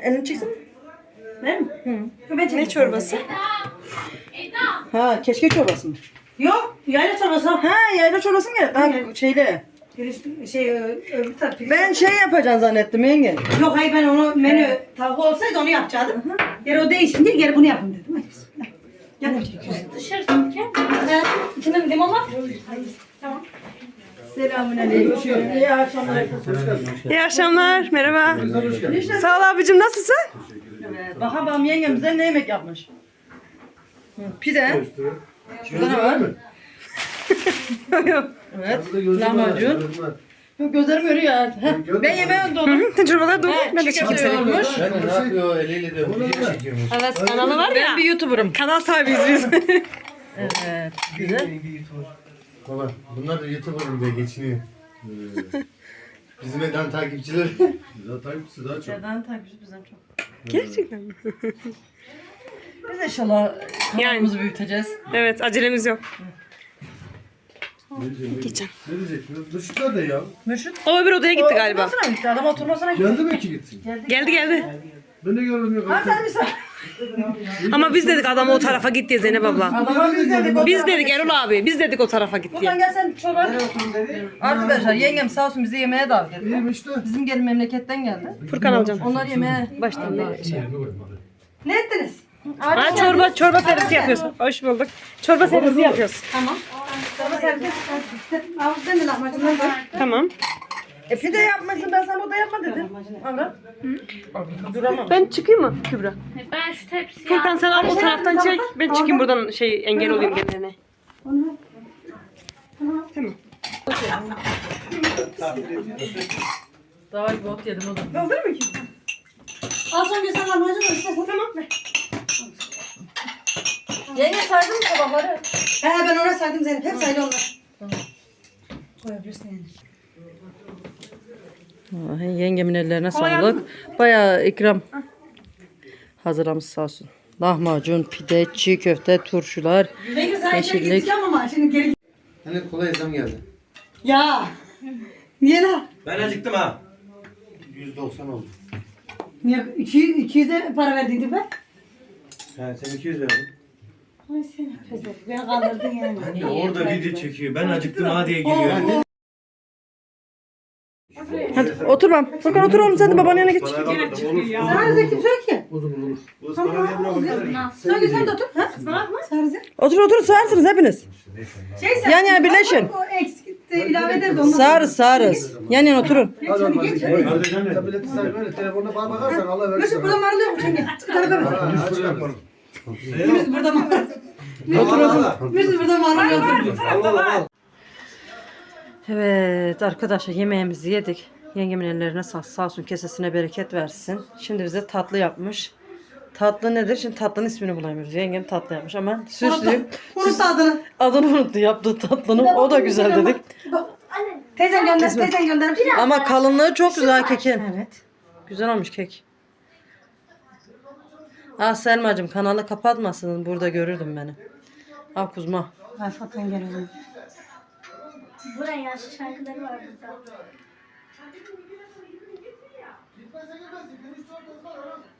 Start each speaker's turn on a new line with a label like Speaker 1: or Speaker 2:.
Speaker 1: Elini çeksin mi?
Speaker 2: Ne mi?
Speaker 1: Ne çorbası? Ha, keşke çorbası mı?
Speaker 2: Yok. Yayla çorbası.
Speaker 1: Ha, yayla çorbası mı geldi? Ha, şeyle.
Speaker 2: Öbür tarafı.
Speaker 1: Ben şey yapacaksın zannettim yenge.
Speaker 2: Yok hayır ben onu menü tavuk olsaydı onu yapacaktım. Geri o değişince geri bunu yapın dedim. Hadi bismillah. Gel.
Speaker 3: Dışarısın ki.
Speaker 2: İçinde limon var. Tamam. Selamünaleyküm. İyi akşamlar.
Speaker 4: İyi akşamlar, merhaba. Sağ ol abicim, nasılsın?
Speaker 1: Evet, bakalım yengem bize ne yemek yapmış? Pide. Şurada ne var? Evet. Lahmacun. Yok, gözlerim görüyor artık. Ben yemeğe doldum.
Speaker 4: Çorbalar dolu. Ben de çekeyim seni.
Speaker 1: Olmuş.
Speaker 5: Ben ne yapıyor eliyle de video çekiyormuş.
Speaker 4: Evet, kanalı var ya.
Speaker 1: Ben bir YouTuber'ım.
Speaker 4: Kanal sahibiyiz biz.
Speaker 1: Evet. Güzel.
Speaker 5: Baba bunlar da YouTuber'ım diye geçiniyor. Bizim eden takipçiler.
Speaker 6: Güzel takipçisi daha çok.
Speaker 1: Neden takipçi bizden çok?
Speaker 4: Gerçekten mi?
Speaker 1: Biz inşallah kanalımızı büyüteceğiz.
Speaker 4: Evet, acelemiz yok.
Speaker 6: Geçen. Ne diyecektin? Mürşit nerede ya?
Speaker 1: Mürşit.
Speaker 4: O öbür odaya gitti galiba.
Speaker 1: Oturmasına gitti. Adam oturmasına gitti.
Speaker 6: Geldi mi ki gitsin?
Speaker 4: Geldi.
Speaker 6: Ben de görmedim.
Speaker 1: Ha sen misin?
Speaker 4: Ama biz dedik adamı o tarafa git diye Zeynep abla.
Speaker 1: Adama biz dedik.
Speaker 4: Biz dedik Erol abi, biz dedik o tarafa git
Speaker 1: Buradan
Speaker 4: diye.
Speaker 1: gel sen çorba. Arkadaşlar yengem sağ olsun bizi yemeğe davet etti.
Speaker 6: İyiyim işte.
Speaker 1: Bizim gelin memleketten geldi.
Speaker 4: Furkan alacağım.
Speaker 1: Onlar yemeğe
Speaker 4: Baştan ne?
Speaker 2: Ne ettiniz?
Speaker 4: Ha, çorba servisi yapıyoruz. Hoş bulduk. Çorba servisi yapıyoruz.
Speaker 2: Tamam. Çorba servis. Avuzdan da lahmacundan var.
Speaker 4: Tamam.
Speaker 1: pide yapmasın ben sana o da yapma dedim. Avrat. Duramam.
Speaker 4: Ben çıkayım mı Kübra?
Speaker 3: Ben şu tepsiyi
Speaker 4: Furkan sen al o taraftan çek. Ben çıkayım buradan engel olayım gelene.
Speaker 1: Daha bir bot yedim o da.
Speaker 2: Olur mu ki? Al son güzel lahmacun var. İstersen tamam mı?
Speaker 1: Yenge saydın mı tabakları?
Speaker 2: He ben ona saydım Zeynep. Hep saydı onlar. Koyabilirsin yani.
Speaker 1: Yengemin ellerine sağlık. Bayağı ikram hazırlamış sağ olsun. Lahmacun, pide, çiğ köfte, turşular.
Speaker 2: Ne güzel
Speaker 1: Yeşillik.
Speaker 2: gideceğim ama şimdi geri.
Speaker 5: Hani kolay zam geldi.
Speaker 2: Ya. Niye la?
Speaker 7: Ben acıktım ha.
Speaker 5: 190 oldu.
Speaker 2: Niye 200'e para verdiydi be?
Speaker 7: He sen 200 verdin.
Speaker 2: Ay seni pezek. Beni kandırdın yani.
Speaker 7: Ya orada video çekiyor. Ben acıktım ha diye geliyor.
Speaker 1: Hadi oturmam. Furkan otur oğlum sen de babanın yanına git.
Speaker 2: Sarıza kimse yok ki.
Speaker 6: Olur.
Speaker 2: Söyle sen de otur. Ha? Sarıza.
Speaker 1: Otur sağırsınız hepiniz.
Speaker 2: Sen
Speaker 1: Yan yana birleşin.
Speaker 2: O eksik de ilave ederiz ondan.
Speaker 1: Sağırız. Yan yana oturun.
Speaker 6: Sen bileti say böyle telefonuna bana bakarsan Allah verir
Speaker 2: Mesut
Speaker 6: sana.
Speaker 2: burada marulıyor mu? Çenge. Bir tarafa bak.
Speaker 6: Aç yaparım.
Speaker 2: Mesut burada marulıyor. Mesut burada marulıyor.
Speaker 1: Evet arkadaşlar yemeğimizi yedik. Yengemin ellerine sağ olsun kesesine bereket versin. Şimdi bize tatlı yapmış. Tatlı nedir? Şimdi tatlının ismini bulamıyoruz. Yengem tatlı yapmış ama süslü.
Speaker 2: Unut adını.
Speaker 1: Adını unuttu yaptığı tatlının. O da güzel dedik.
Speaker 2: Teyzen gönder. Teyzen göndermiş.
Speaker 1: Ama kalınlığı çok güzel kekin.
Speaker 2: Evet.
Speaker 1: Güzel olmuş kek. Ah Selma'cığım kanalı kapatmasın. Burada görürdüm beni. Ah kuzma.
Speaker 2: Ben satın geliyorum.
Speaker 3: Buraya yaşlı şarkıları var burada.